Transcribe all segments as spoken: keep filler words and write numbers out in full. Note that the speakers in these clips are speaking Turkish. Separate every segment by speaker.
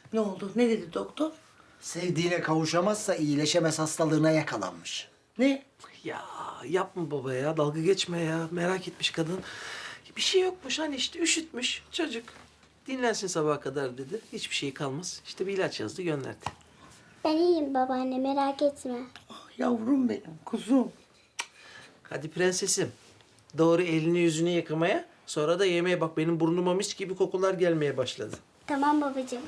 Speaker 1: Ne oldu? Ne dedi doktor?
Speaker 2: Sevdiğine kavuşamazsa iyileşemez hastalığına yakalanmış.
Speaker 1: Ne?
Speaker 3: Ya yapma baba ya, dalga geçme ya. Merak etmiş kadın. Bir şey yokmuş hani işte üşütmüş çocuk. Dinlensin sabaha kadar dedi. Hiçbir şey kalmaz. İşte bir ilaç yazdı gönderdi.
Speaker 4: Ben iyiyim babaanne, merak etme.
Speaker 1: Ah, yavrum benim, kuzum.
Speaker 3: Hadi prensesim. Doğru elini yüzünü yıkamaya. Sonra da yemeğe bak. Benim burnuma mis gibi kokular gelmeye başladı.
Speaker 4: Tamam babacığım.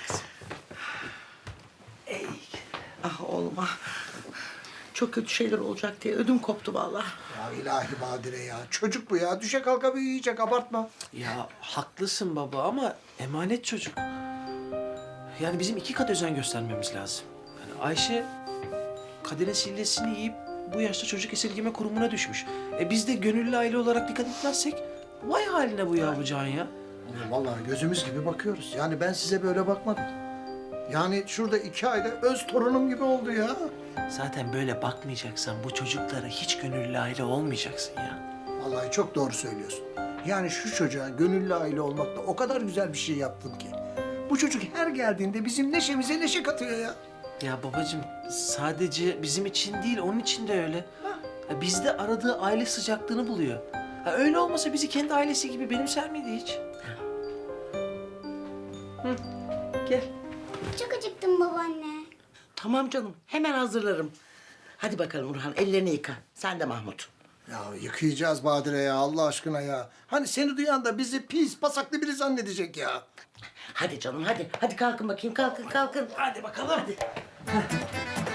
Speaker 3: Ey.
Speaker 1: Ah oğlum ah. Çok kötü şeyler olacak diye ödüm koptu vallahi.
Speaker 2: Ya ilahi Badire ya. Çocuk bu ya. Düşe kalka büyüyecek, abartma.
Speaker 3: Ya haklısın baba ama emanet çocuk. Yani bizim iki kat özen göstermemiz lazım. Yani Ayşe kaderin sillesini yiyip bu yaşta çocuk esirgeme kurumuna düşmüş. E biz de gönüllü aile olarak dikkat etmezsek vay haline bu yavrucağın ya.
Speaker 2: Ya vallahi gözümüz gibi bakıyoruz. Yani ben size böyle bakmadım. Yani şurada iki ayda öz torunum gibi oldu ya.
Speaker 3: Zaten böyle bakmayacaksan bu çocuklara hiç gönüllü aile olmayacaksın ya.
Speaker 2: Vallahi çok doğru söylüyorsun. Yani şu çocuğa gönüllü aile olmakla o kadar güzel bir şey yaptın ki. Bu çocuk her geldiğinde bizim neşemize neşe katıyor ya.
Speaker 3: Ya babacığım sadece bizim için değil onun için de öyle. Ya bizde aradığı aile sıcaklığını buluyor. Ha, öyle olmasa bizi kendi ailesi gibi benimser miydi hiç? Hı, gel.
Speaker 4: Çok acıktım babaanne.
Speaker 1: Tamam canım, hemen hazırlarım. Hadi bakalım Urhan, ellerini yıka. Sen de Mahmut.
Speaker 2: Ya yıkayacağız Badire ya Allah aşkına ya. Hani seni duyan da bizi pis pasaklı biri zannedecek ya.
Speaker 1: Hadi canım, hadi. Hadi kalkın bakayım, kalkın, kalkın.
Speaker 3: Hadi bakalım.
Speaker 1: Hadi.